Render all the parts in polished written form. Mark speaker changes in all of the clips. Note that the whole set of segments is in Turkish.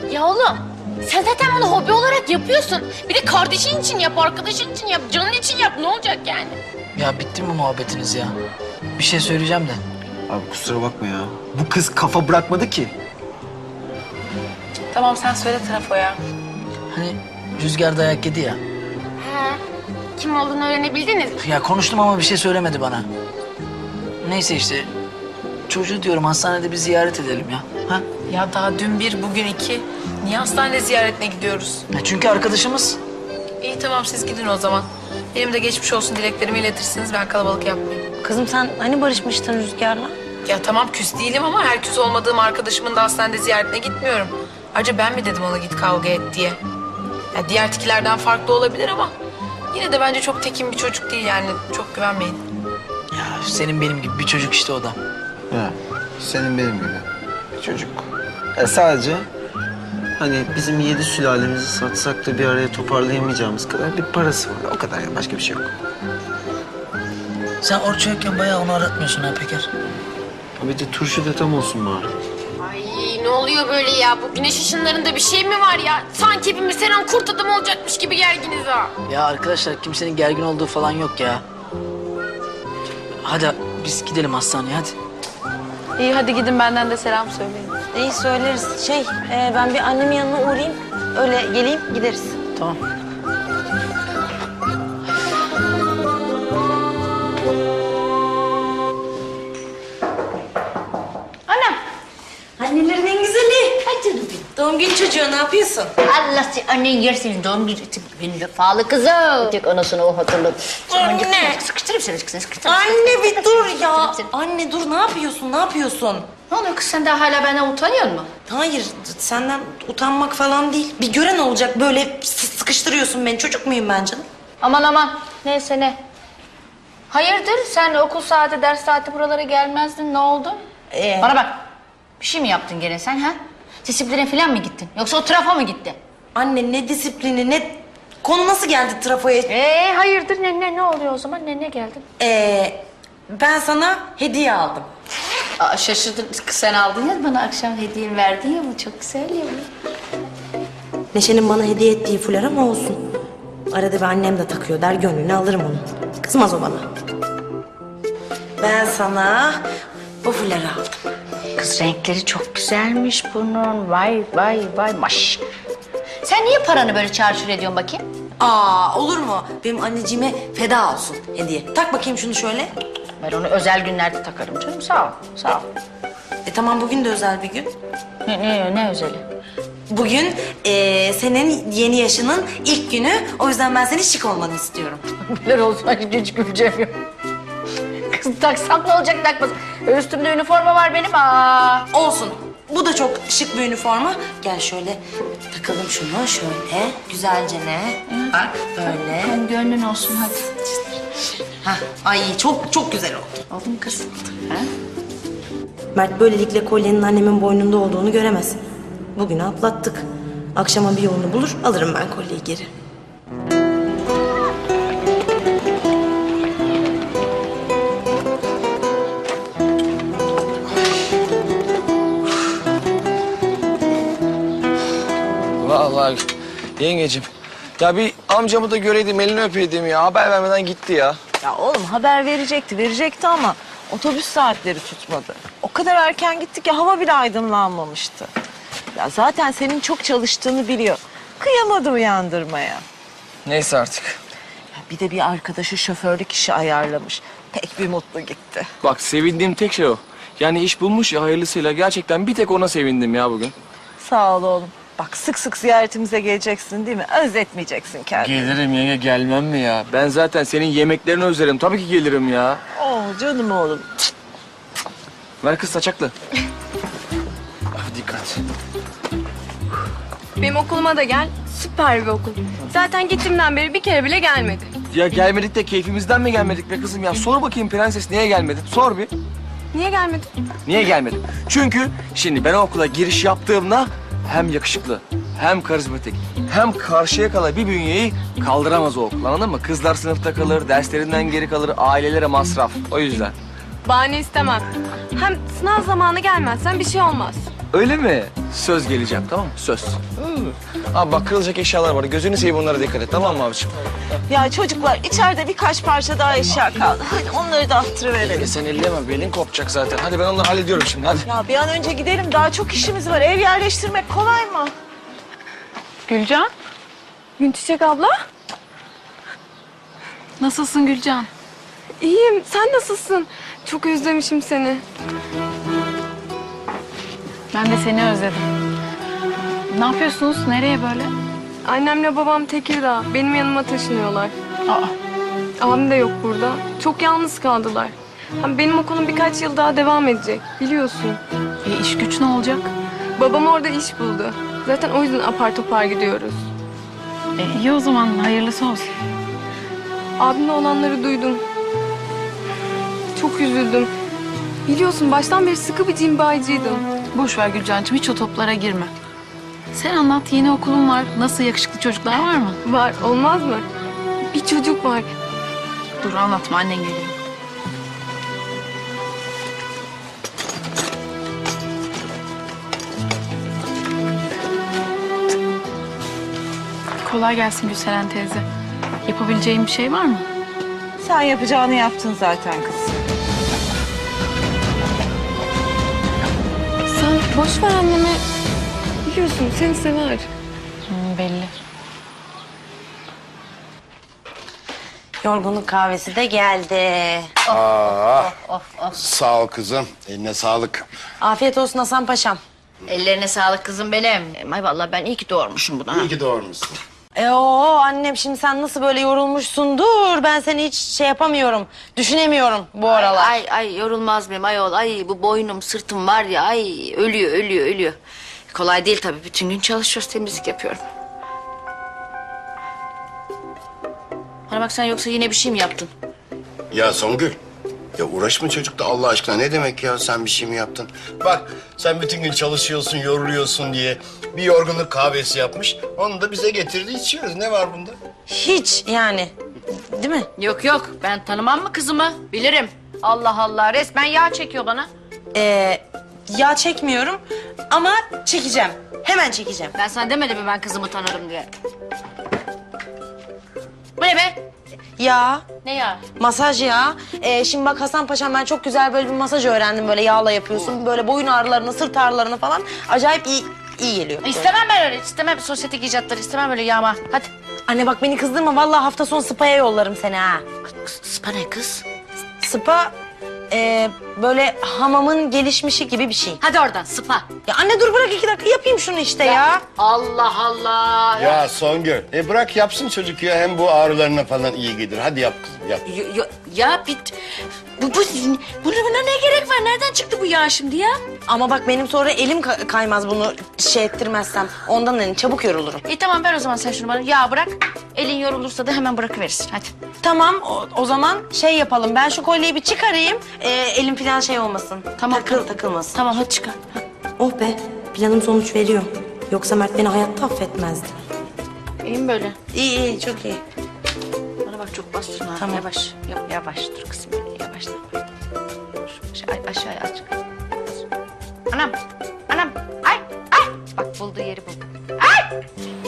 Speaker 1: Ya oğlum sen zaten bunu hobi olarak yapıyorsun. Bir de kardeşin için yap, arkadaşın için yap, canın için yap. Ne olacak yani?
Speaker 2: Ya bitti mi muhabbetiniz ya? Bir şey söyleyeceğim de.
Speaker 3: Abi kusura bakma ya. Bu kız kafa bırakmadı ki.
Speaker 4: Tamam sen söyle trafoya.
Speaker 2: Hani Rüzgar dayak yedi ya.
Speaker 1: He. Kim olduğunu öğrenebildiniz mi?
Speaker 2: Ya konuştum ama bir şey söylemedi bana. Neyse işte. Çocuğu diyorum hastanede bir ziyaret edelim ya. Ha?
Speaker 4: Ya daha dün bir, bugün iki. Niye hastane ziyaretine gidiyoruz?
Speaker 2: Ya çünkü arkadaşımız.
Speaker 4: İyi tamam siz gidin o zaman. Benim de geçmiş olsun dileklerimi iletirsiniz. Ben kalabalık yapmayayım.
Speaker 5: Kızım sen hani barışmıştın Rüzgar'la?
Speaker 4: Ya tamam küs değilim ama her küs olmadığım arkadaşımın da hastanede ziyaretine gitmiyorum. Ayrıca ben mi dedim ona git kavga et diye. Ya diğer tikilerden farklı olabilir ama yine de bence çok tekin bir çocuk değil yani. Çok güvenmeyin.
Speaker 2: Ya senin benim gibi bir çocuk işte o da.
Speaker 3: Ya senin benim gibi. Bir çocuk. Sadece hani bizim 7 sülalemizi satsak da bir araya toparlayamayacağımız kadar bir parası var. O kadar ya, başka bir şey yok.
Speaker 2: Sen Orçu yokken bayağı onu aratmıyorsun ha Peker.
Speaker 3: Bir de turşu da tam olsun bari.
Speaker 1: Ay ne oluyor böyle ya? Bu güneş ışınlarında bir şey mi var ya? Sanki hepimiz her an kurt adam olacakmış gibi gerginiz ha.
Speaker 2: Ya arkadaşlar kimsenin gergin olduğu falan yok ya. Hadi biz gidelim hastaneye hadi.
Speaker 4: İyi hadi gidin benden de selam söyleyin.
Speaker 5: İyi söyleriz. Ben bir annemin yanına uğrayayım. Öyle geleyim gideriz.
Speaker 2: Tamam.
Speaker 5: Annelerin en güzeli. Ay canım benim. Doğum günü çocuğu ne yapıyorsun?
Speaker 6: Allah annen yersin doğum günü vefalı kızım. Tek anasını o hatırladı.
Speaker 5: Anne.
Speaker 6: Sıkıştırayım seni sıkıştırayım.
Speaker 5: Anne bir dur ya.
Speaker 6: Sıkıştırayım.
Speaker 5: Anne dur ne yapıyorsun? Ne yapıyorsun?
Speaker 6: Ne oluyor kız sen daha hala benden utanıyor musun?
Speaker 5: Hayır senden utanmak falan değil. Bir gören olacak böyle sıkıştırıyorsun beni. Çocuk muyum ben canım?
Speaker 6: Aman neyse ne. Hayırdır sen okul saati ders saati buralara gelmezdin ne oldu? Bana bak bir şey mi yaptın gene sen ha? Disipline falan mı gittin yoksa o trafo mu gitti?
Speaker 5: Anne ne disiplini ne... Konu nasıl geldi trafoya?
Speaker 6: Hayırdır ne oluyor o zaman ne geldin?
Speaker 5: Ben sana hediye aldım.
Speaker 6: Aa, şaşırdım sen aldın ya bana akşam hediye verdin ya bu çok güzel ya.
Speaker 5: Neşe'nin bana hediye ettiği fular ama olsun. Arada bir annem de takıyor der gönlünü alırım onu. Kızmaz o bana. Ben sana bu fuları aldım.
Speaker 6: Kız renkleri çok güzelmiş bunun. Vay maş. Sen niye paranı böyle çarçur ediyorsun bakayım?
Speaker 5: Olur mu? Benim anneciğime feda olsun hediye. Tak bakayım şunu şöyle.
Speaker 6: Ben onu özel günlerde takarım canım. Sağ ol.
Speaker 5: Tamam bugün de özel bir gün.
Speaker 6: Ne özeli?
Speaker 5: Bugün senin yeni yaşının ilk günü. O yüzden ben senin şık olmanı istiyorum.
Speaker 6: Neler olsun hiç güleceğim yok. Kız taksam ne olacak takmasın. Üstümde üniforma var benim.
Speaker 5: Olsun. Bu da çok şık bir üniforma. Gel şöyle takalım şunu şöyle. Güzelce ne? Bak böyle.
Speaker 6: Sen gönlün olsun hadi.
Speaker 5: Hah, ay çok güzel oldu.
Speaker 6: Oldu mu kız? Ha?
Speaker 5: Mert böylelikle kolyenin annemin boynunda olduğunu göremez. Bugünü atlattık. Akşama bir yolunu bulur, alırım ben kolyeyi geri.
Speaker 7: Vallahi yengeciğim. Ya bir amcamı da göreydim, elini öpeydim ya. Haber vermeden gitti ya.
Speaker 8: Ya oğlum haber verecekti ama otobüs saatleri tutmadı. O kadar erken gitti ki hava bile aydınlanmamıştı. Ya zaten senin çok çalıştığını biliyor. Kıyamadı uyandırmaya.
Speaker 7: Neyse artık.
Speaker 8: Ya bir de bir arkadaşı şoförlük işi ayarlamış. Pek bir mutlu gitti.
Speaker 7: Bak sevindiğim tek şey o. Yani iş bulmuş ya hayırlısıyla. Gerçekten bir tek ona sevindim ya bugün.
Speaker 8: Sağ ol oğlum. Bak sık sık ziyaretimize geleceksin değil mi? Özletmeyeceksin kendini.
Speaker 7: Gelirim yenge, gelmem mi ya? Ben zaten senin yemeklerini özlerim. Tabii ki gelirim ya.
Speaker 8: Canım oğlum.
Speaker 7: Ver kız saçaklı. Ah, dikkat.
Speaker 9: Benim okuluma da gel. Süper bir okul. Zaten gittiğimden beri bir kere bile gelmedi.
Speaker 7: Ya gelmedik de keyfimizden mi gelmedik be kızım ya? Sor bakayım prenses niye gelmedin? Sor bir.
Speaker 9: Niye gelmedi?
Speaker 7: Niye gelmedin? Çünkü şimdi ben o okula giriş yaptığımda hem yakışıklı, hem karizmatik, hem Karşıyakalı bir bünyeyi kaldıramaz o okul, anladın mı? Kızlar sınıfta kalır, derslerinden geri kalır, ailelere masraf. O yüzden.
Speaker 9: Bahane istemem. Hem sınav zamanı gelmezsen bir şey olmaz.
Speaker 7: Öyle mi? Söz geleceğim, tamam mı? Söz. Abi bak kırılacak eşyalar var. Gözünü seveyim, onlara dikkat et, tamam mı abiciğim?
Speaker 8: Ya çocuklar içeride birkaç parça daha eşya kaldı. Hadi onları da attırıverelim.
Speaker 7: Sen elleme, belin kopacak zaten. Hadi ben onları hallediyorum şimdi, hadi.
Speaker 8: Ya bir an önce gidelim. Daha çok işimiz var. Ev yerleştirmek kolay mı?
Speaker 9: Gülcan? Günçiçek abla?
Speaker 6: Nasılsın Gülcan?
Speaker 9: İyiyim. Sen nasılsın? Çok özlemişim seni.
Speaker 6: Ben de seni özledim. Ne yapıyorsunuz? Nereye böyle?
Speaker 9: Annemle babam Tekirdağ. Benim yanıma taşınıyorlar.
Speaker 6: Aa,
Speaker 9: Abim de yok burada. Çok yalnız kaldılar. Hem benim okulum birkaç yıl daha devam edecek. Biliyorsun.
Speaker 6: iş güç ne olacak?
Speaker 9: Babam orada iş buldu. Zaten o yüzden apar topar gidiyoruz.
Speaker 6: İyi o zaman, hayırlısı olsun.
Speaker 9: Abimle olanları duydum. Çok üzüldüm. Biliyorsun baştan beri sıkı bir cimbaycıydım.
Speaker 6: Boş ver Gülcancığım, hiç o toplara girme. Sen anlat, yeni okulun var. Nasıl, yakışıklı çocuklar var mı?
Speaker 9: Var, olmaz mı? Bir çocuk var.
Speaker 6: Dur anlatma, annen geliyor. Kolay gelsin Gülseren teyze. Yapabileceğim bir şey var mı?
Speaker 8: Sen yapacağını yaptın zaten kız.
Speaker 9: Sen boş ver anneme. Biliyorsun seni sever.
Speaker 6: Belli.
Speaker 5: Yorgunluk kahvesi de geldi.
Speaker 10: Sağ ol kızım. Eline sağlık.
Speaker 5: Afiyet olsun Hasan Paşam.
Speaker 6: Ellerine sağlık kızım benim. Ay vallahi ben iyi ki doğurmuşum bunu.
Speaker 10: İyi ki doğurmuşsun.
Speaker 5: Annem şimdi sen nasıl böyle yorulmuşsun? Dur ben seni hiç şey yapamıyorum. Düşünemiyorum bu aralar.
Speaker 6: Ay yorulmaz mıyım ayol? Ay bu boynum sırtım var ya, ay ölüyor. Kolay değil tabii, bütün gün çalışıyoruz, temizlik yapıyorum. Bana bak, sen yoksa yine bir şey mi yaptın?
Speaker 10: Ya Songül. Ya uğraşma çocukla Allah aşkına. Ne demek ya sen bir şey mi yaptın? Bak sen bütün gün çalışıyorsun, yoruluyorsun diye bir yorgunluk kahvesi yapmış. Onu da bize getirdi içiyoruz. Ne var bunda?
Speaker 5: Hiç yani. Değil mi?
Speaker 6: Yok ben tanımam mı kızımı? Bilirim. Allah Allah, resmen yağ çekiyor bana.
Speaker 5: Yağ çekmiyorum ama çekeceğim. Hemen çekeceğim.
Speaker 6: Ben sana demedim mi ben kızımı tanırım diye? Bu ne be?
Speaker 5: Ya
Speaker 6: Ne ya?
Speaker 5: masaj ya. Şimdi bak Hasan Paşam ben çok güzel böyle bir masaj öğrendim. Böyle yağla yapıyorsun. Böyle boyun ağrılarını, sırt ağrılarını falan. Acayip iyi geliyor.
Speaker 6: İstemem ben öyle. İstemem sosyetik icatları. İstemem öyle yağma. Hadi.
Speaker 5: Anne bak beni kızdırma. Vallahi hafta sonu spa'ya yollarım seni ha.
Speaker 6: Spa ne kız?
Speaker 5: Spa böyle hamamın gelişmişi gibi bir şey.
Speaker 6: Hadi oradan spa.
Speaker 5: Ya anne dur bırak 2 dakika yapayım şunu işte ya.
Speaker 6: Allah Allah.
Speaker 10: Ya Songül. Bırak yapsın çocuk ya. Hem bu ağrılarına falan iyi gelir. Hadi yap kızım yap.
Speaker 6: Ya buna ne gerek var? Nereden çıktı bu yağ şimdi ya?
Speaker 5: Ama bak benim sonra elim kaymaz bunu şey ettirmezsem. Ondan hani çabuk yorulurum.
Speaker 6: İyi tamam, ver o zaman sen şunu bana. Yağ bırak. Elin yorulursa da hemen bırakıverirsin. Hadi.
Speaker 5: Tamam o zaman şey yapalım. Ben şu kolyeyi bir çıkarayım. Elim falan şey olmasın.
Speaker 6: Tamam.
Speaker 5: Takılmasın.
Speaker 6: Tamam hadi çıkar.
Speaker 5: Oh be planım sonuç veriyor. Yoksa Mert beni hayatta affetmezdi.
Speaker 6: İyi mi böyle?
Speaker 5: İyi çok iyi.
Speaker 6: Bana bak çok bastırma.
Speaker 5: Tamam.
Speaker 6: Yavaş. Yavaş dur kızım. Yavaş. Aşağıya aç. Anam. Ay. Bak bulduğu yeri buldu. Ay.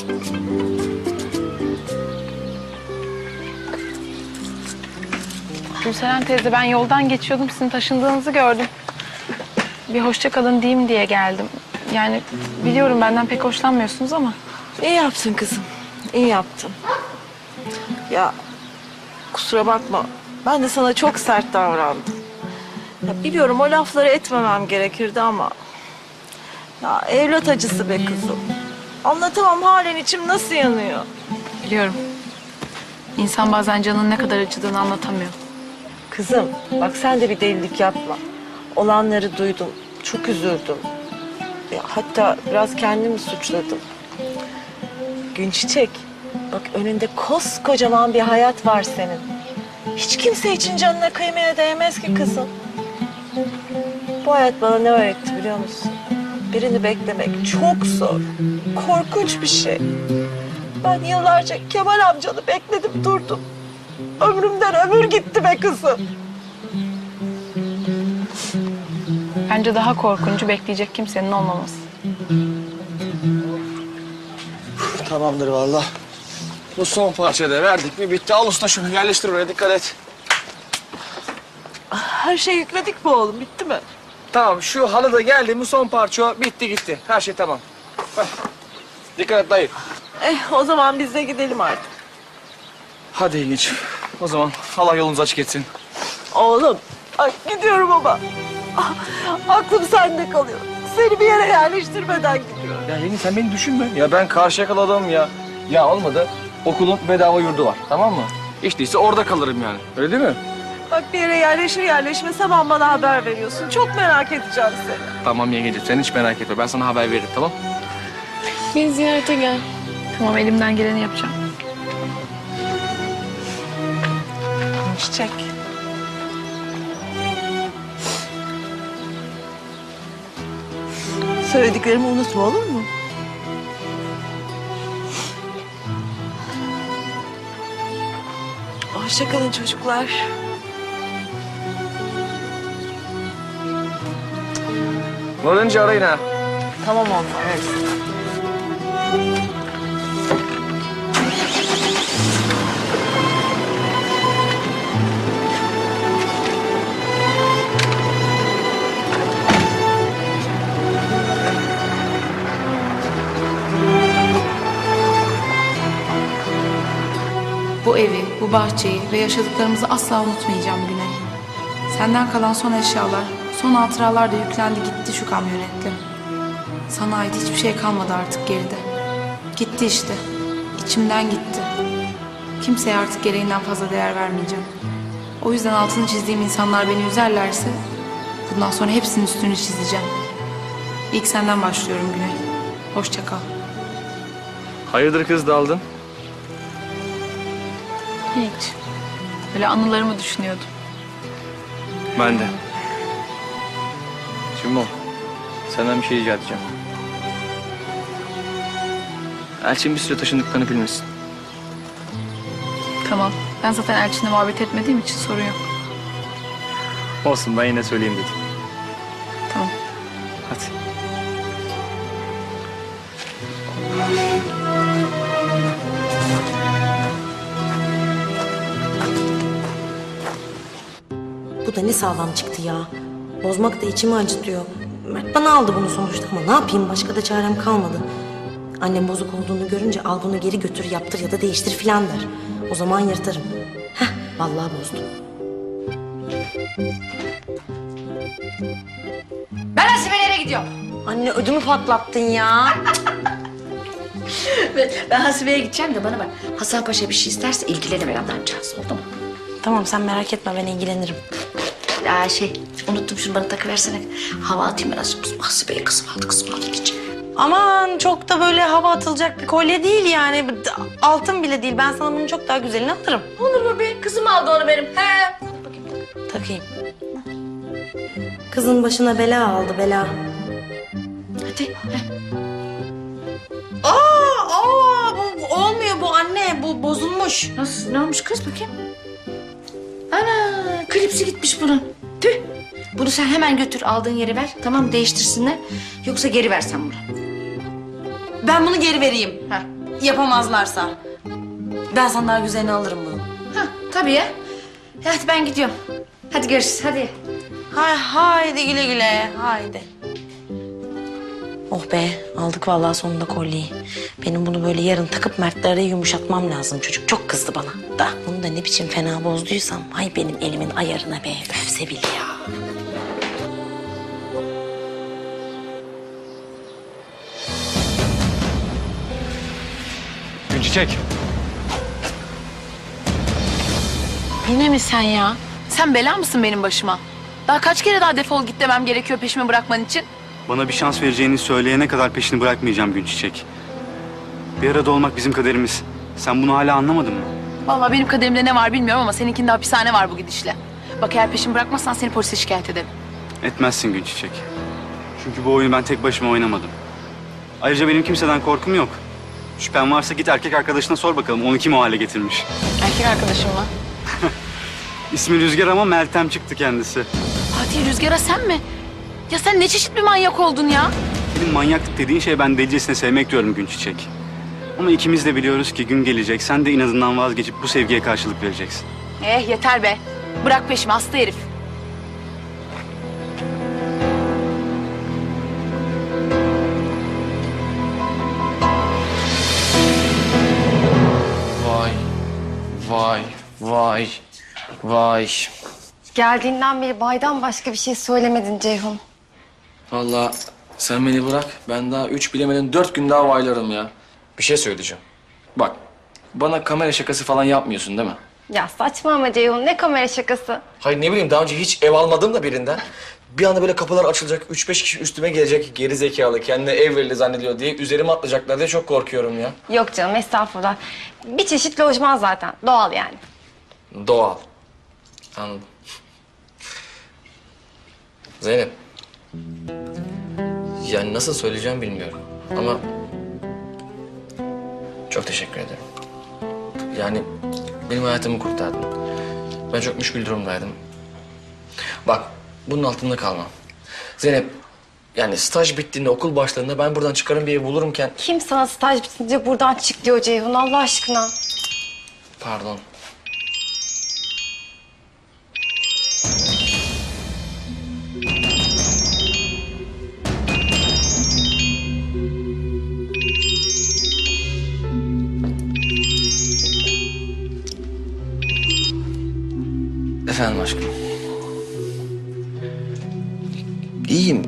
Speaker 4: Gülseren teyze ben yoldan geçiyordum, sizin taşındığınızı gördüm. Bir hoşça kalın diyeyim diye geldim. Yani biliyorum benden pek hoşlanmıyorsunuz ama.
Speaker 8: İyi yaptın kızım. İyi yaptın. Ya kusura bakma. Ben de sana çok sert davrandım. Ya biliyorum o lafları etmemem gerekirdi ama... Ya evlat acısı be kızım. Anlatamam halen içim nasıl yanıyor.
Speaker 4: Biliyorum. İnsan bazen canının ne kadar acıdığını anlatamıyor.
Speaker 8: Kızım bak sen de bir delilik yapma. Olanları duydum. Çok üzüldüm. Ya, hatta biraz kendimi suçladım. Günçiçek, bak önünde koskocaman bir hayat var senin. Hiç kimse için canına kıymaya değmez ki kızım. Bu hayat bana ne öğretti biliyor musun? Birini beklemek çok zor. Korkunç bir şey. Ben yıllarca Kemal amcanı bekledim durdum. Ömrümden ömür gitti be kızım.
Speaker 4: Bence daha korkuncu bekleyecek kimsenin olmaması.
Speaker 3: Tamamdır vallahi.
Speaker 7: Bu son parçayı da verdik mi bitti. Al usta şunu yerleştir oraya dikkat et.
Speaker 8: Her şeyi yükledik mi oğlum? Bitti mi?
Speaker 7: Tamam şu halı da geldi mi son parça o. Bitti gitti. Her şey tamam. Heh. Dikkat et dayı.
Speaker 8: O zaman biz de gidelim artık.
Speaker 7: Hadi Yengeç. O zaman Allah yolunuz açık etsin.
Speaker 8: Oğlum, ay gidiyorum ama. Ah, aklım sende kalıyor. Seni bir yere yerleştirmeden gidiyorum.
Speaker 7: Ya Yenge sen beni düşünme. Ya ben Karşıyakalı adamım ya. Ya olmadı. Okulun bedava yurdu var tamam mı? Hiç değilse orada kalırım yani. Öyle değil mi?
Speaker 8: Bak bir yere yerleşir yerleşmez hemen bana haber veriyorsun. Çok merak edeceğim seni.
Speaker 7: Tamam Yengeciğim sen hiç merak etme. Ben sana haber veririm tamam?
Speaker 9: Beni ziyarete gel.
Speaker 4: Tamam elimden geleni yapacağım.
Speaker 8: Çiçek. Söylediklerimi unutma olur mu? Hoşça kalın çocuklar.
Speaker 7: Varınca arayın ha.
Speaker 8: Tamam oğlum. Evet.
Speaker 4: Bu evi, bu bahçeyi ve yaşadıklarımızı asla unutmayacağım Güney. Senden kalan son eşyalar, son hatıralar da yüklendi gitti şu kamyonetle. Sana ait hiçbir şey kalmadı artık geride. Gitti işte. İçimden gitti. Kimseye artık gereğinden fazla değer vermeyeceğim. O yüzden altını çizdiğim insanlar beni üzerlerse bundan sonra hepsinin üstünü çizeceğim. İlk senden başlıyorum Güney. Hoşça kal.
Speaker 7: Hayırdır kız daldın?
Speaker 4: Hiç. Böyle anılarımı düşünüyordum.
Speaker 7: Ben de. Şimdi senden bir şey rica edeceğim. Elçin bir süre taşındıklarını bilmesin.
Speaker 4: Tamam. Ben zaten Elçin'le muhabbet etmediğim için sorun yok.
Speaker 7: Olsun ben yine söyleyeyim dedim.
Speaker 4: Tamam.
Speaker 7: Hadi.
Speaker 5: Bu da ne sağlam çıktı ya. Bozmak da içimi acıtıyor. Mert bana aldı bunu sonuçta ama ne yapayım başka da çarem kalmadı. Annem bozuk olduğunu görünce al bunu geri götür yaptır ya da değiştir filan der. O zaman yırtarım. Heh vallahi bozdu.
Speaker 6: Ben Hasibe'lere gidiyorum.
Speaker 5: Anne ödümü patlattın ya.
Speaker 6: Ben Hasibe'ye gideceğim de bana bak. Hasan Paşa bir şey isterse ilgilenelim adamcağız. Oldu mu?
Speaker 5: Tamam sen merak etme ben ilgilenirim.
Speaker 6: Unuttum şunu bana takıversene. Hava atayım biraz. Hasibe'ye kızım aldı diyeceğim.
Speaker 5: Aman çok da böyle hava atılacak bir kolye değil yani. Altın bile değil. Ben sana bunun çok daha güzelini alırım.
Speaker 6: Olur mu be? Kızım aldı onu benim. He.
Speaker 5: Takayım. Kızın başına bela aldı bela.
Speaker 6: Hadi.
Speaker 5: Bu olmuyor bu anne. Bu bozulmuş.
Speaker 6: Nasıl? Ne olmuş kız bakayım? Ana klipsi gitmiş bunun. Tüh. Bunu sen hemen götür aldığın yere ver. Tamam değiştirsinler. Yoksa geri versen bunu.
Speaker 5: Ben bunu geri vereyim.
Speaker 6: Ha.
Speaker 5: Yapamazlarsa. Ben sana daha güzelini alırım bunu.
Speaker 6: Ha tabii ya. Hadi ben gidiyorum. Hadi görüşürüz hadi.
Speaker 5: Haydi güle güle. Haydi. Oh be aldık vallahi sonunda kolyeyi. Benim bunu böyle yarın takıp Mertlere yumuşatmam lazım. Çocuk çok kızdı bana. Da bunu da ne biçim fena bozduysam. Ay benim elimin ayarına be. Öf Sevil ya.
Speaker 7: Günçiçek.
Speaker 4: Yine mi sen ya? Sen bela mısın benim başıma? Daha kaç kere daha defol git demem gerekiyor peşimi bırakman için?
Speaker 11: Bana bir şans vereceğini söyleyene kadar peşini bırakmayacağım Günçiçek. Bir arada olmak bizim kaderimiz. Sen bunu hala anlamadın mı?
Speaker 4: Vallahi benim kaderimde ne var bilmiyorum ama seninkinde hapishane var bu gidişle. Bak eğer peşimi bırakmazsan seni polise şikayet ederim.
Speaker 11: Etmezsin Günçiçek. Çünkü bu oyunu ben tek başıma oynamadım. Ayrıca benim kimseden korkum yok. Şüphen varsa git erkek arkadaşına sor bakalım onu kim o hale getirmiş.
Speaker 4: Erkek arkadaşım mı?
Speaker 11: İsmi Rüzgar ama Meltem çıktı kendisi.
Speaker 4: Fatih Rüzgar'a sen mi? Ya sen ne çeşit bir manyak oldun ya?
Speaker 11: Senin manyaklık dediğin şey ben delicesine sevmek diyorum Günçiçek. Ama ikimiz de biliyoruz ki gün gelecek. Sen de inadından vazgeçip bu sevgiye karşılık vereceksin.
Speaker 4: Yeter be. Bırak peşimi hasta herif.
Speaker 7: Vay, vay, vay, vay.
Speaker 1: Geldiğinden beri baydan başka bir şey söylemedin Ceyhun.
Speaker 7: Vallahi sen beni bırak. Ben daha 3 bilemeden 4 gün daha vaylarım ya. Bir şey söyleyeceğim. Bak, bana kamera şakası falan yapmıyorsun değil mi?
Speaker 1: Ya saçma ama Ceyhun, ne kamera şakası?
Speaker 7: Hayır ne bileyim daha önce hiç ev almadım da birinden. Bir anda böyle kapılar açılacak, 3-5 kişi üstüme gelecek, geri zekalı, kendine ev verildi zannediyor diye üzerime atlayacaklar diye çok korkuyorum ya.
Speaker 1: Yok canım, estağfurullah. Bir çeşit lojman zaten, doğal yani.
Speaker 7: Doğal. Anladım. Zeynep. Yani nasıl söyleyeceğim bilmiyorum ama çok teşekkür ederim. Yani benim hayatımı kurtardın. Ben çok müşkül durumdaydım. Bak bunun altında kalmam. Zeynep yani staj bittiğinde okul başlarında ben buradan çıkarım bir ev bulurumken...
Speaker 1: Kim sana staj bitince buradan çık diyor Ceyhun, Allah aşkına?
Speaker 7: Pardon. Efendim aşkım. İyiyim.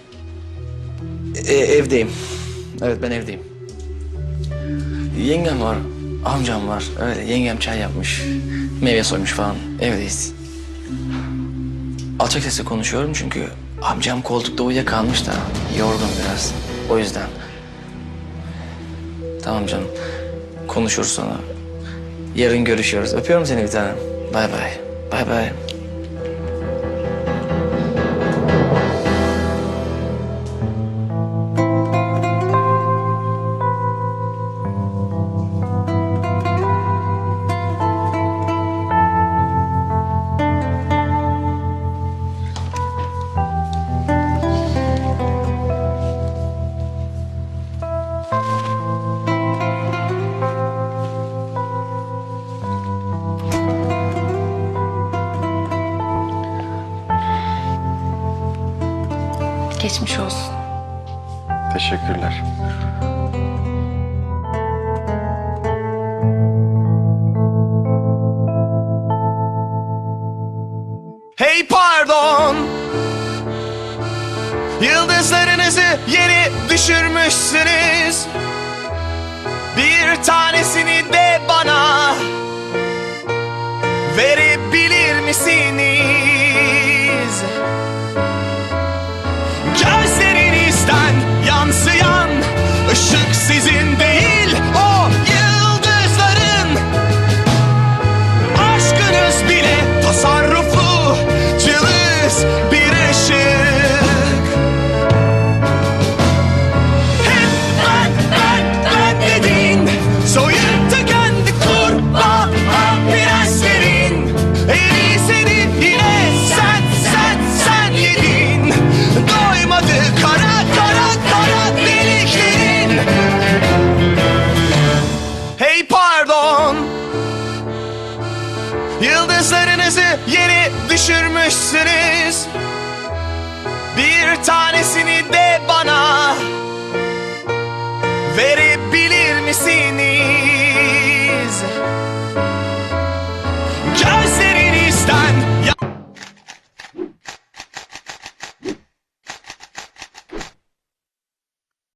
Speaker 7: Evdeyim. Evet ben evdeyim. Yengem var, amcam var. Öyle yengem çay yapmış. Meyve soymuş falan. Evdeyiz. Alçak sesle konuşuyorum çünkü amcam koltukta uyuyakalmış da yorgun biraz. O yüzden. Tamam canım. Konuşuruz sonra. Yarın görüşüyoruz. Öpüyorum seni bir tanem. Bay bay. Bay bay.
Speaker 1: Geçmiş olsun.
Speaker 11: Teşekkürler.
Speaker 12: Hey pardon, yıldızlarınızı yere düşürmüşsünüz. Bir tanesini de bana verebilir misiniz? Gözlerinizden yansıyan ışık sizin değil, o yıldızların. Aşkınız bile tasarruflu, cılız bir ışık. Hep ben dedin, soyup tükendi kurbağa prenslerin. En iyisini yine sen yedin. Doymadı kara deliklerin. Hey pardon, yıldızlarınızı yere düşürmüşsünüz. Bir tanesini de bana verebilir misiniz?